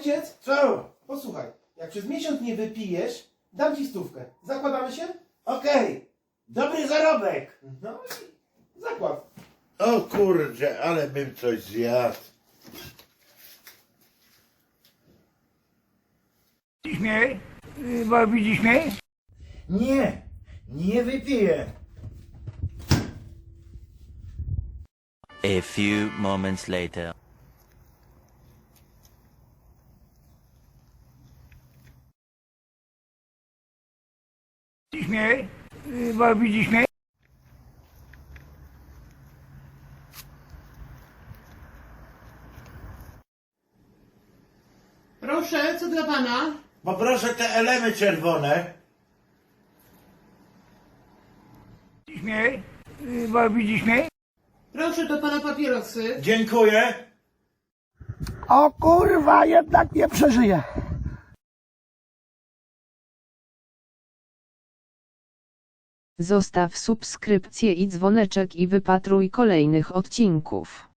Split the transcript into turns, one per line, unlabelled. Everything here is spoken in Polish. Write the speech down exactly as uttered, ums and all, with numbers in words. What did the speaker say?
Ojciec,
Co?
posłuchaj, jak przez miesiąc nie wypijesz, dam ci stówkę. Zakładamy się?
Okej. Dobry zarobek.
No i zakład.
O kurczę, ale bym coś zjadł.
Widzisz mnie? Y, Bo widzisz mnie?
Nie, nie wypiję.
A few moments later.
Widzisz mnie? Y, Bo widzisz mnie?
Proszę, co dla pana?
Poproszę te elemy czerwone.
Widzisz mnie? Y, Bo widzisz mnie?
Proszę do pana papierosy.
Dziękuję.
O kurwa, jednak nie przeżyję.
Zostaw subskrypcję i dzwoneczek i wypatruj kolejnych odcinków.